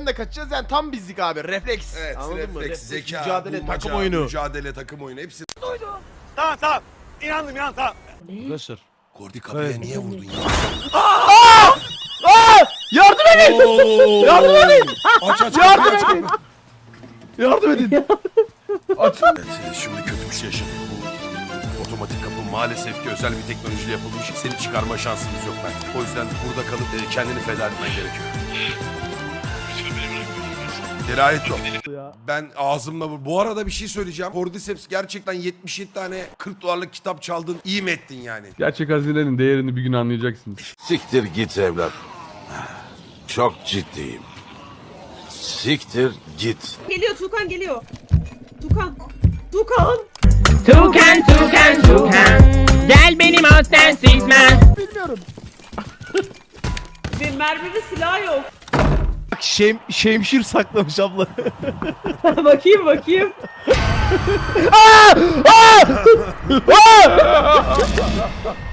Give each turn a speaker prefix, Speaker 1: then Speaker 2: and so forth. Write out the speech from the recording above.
Speaker 1: de kaçacağız yani tam bizlik abi. Refleks.
Speaker 2: Evet,
Speaker 1: Anladın mı?
Speaker 2: refleks, zeka,
Speaker 1: mücadele,
Speaker 2: bulmaca,
Speaker 1: takım oyunu.
Speaker 2: mücadele, takım oyunu hepsi.
Speaker 3: Tamam. İnandım tamam.
Speaker 4: Arkadaşlar.
Speaker 2: Kordi kapıya niye vurdun ya?
Speaker 1: Yardım edin! Yardım edin!
Speaker 2: Aç
Speaker 1: Yardım
Speaker 2: kapıyı, aç
Speaker 1: edin!
Speaker 2: kapıyı.
Speaker 1: Yardım edin!
Speaker 2: Evet, şimdi kötü bir şey yaşadık. Bu otomatik kapı maalesef ki özel bir teknolojiyle yapılmış. Seni çıkarma şansımız yok Mert. O yüzden burada kalıp kendini feda etmen gerekiyor. Dirayet yok. Ben ağzımla bu arada bir şey söyleyeceğim. Cordyceps gerçekten 77 tane 40 dolarlık kitap çaldın. İyi mi ettin yani?
Speaker 4: Gerçek hazinenin değerini bir gün anlayacaksınız.
Speaker 5: Siktir git evlat. Çok ciddiyim. Siktir git.
Speaker 6: Geliyor Tukan geliyor. Tukan. Tukan.
Speaker 7: Tukan. Gel benim aslen Sigman.
Speaker 6: Ve merminin silahı yok.
Speaker 1: Bak şemşir saklamış abla.
Speaker 6: bakayım.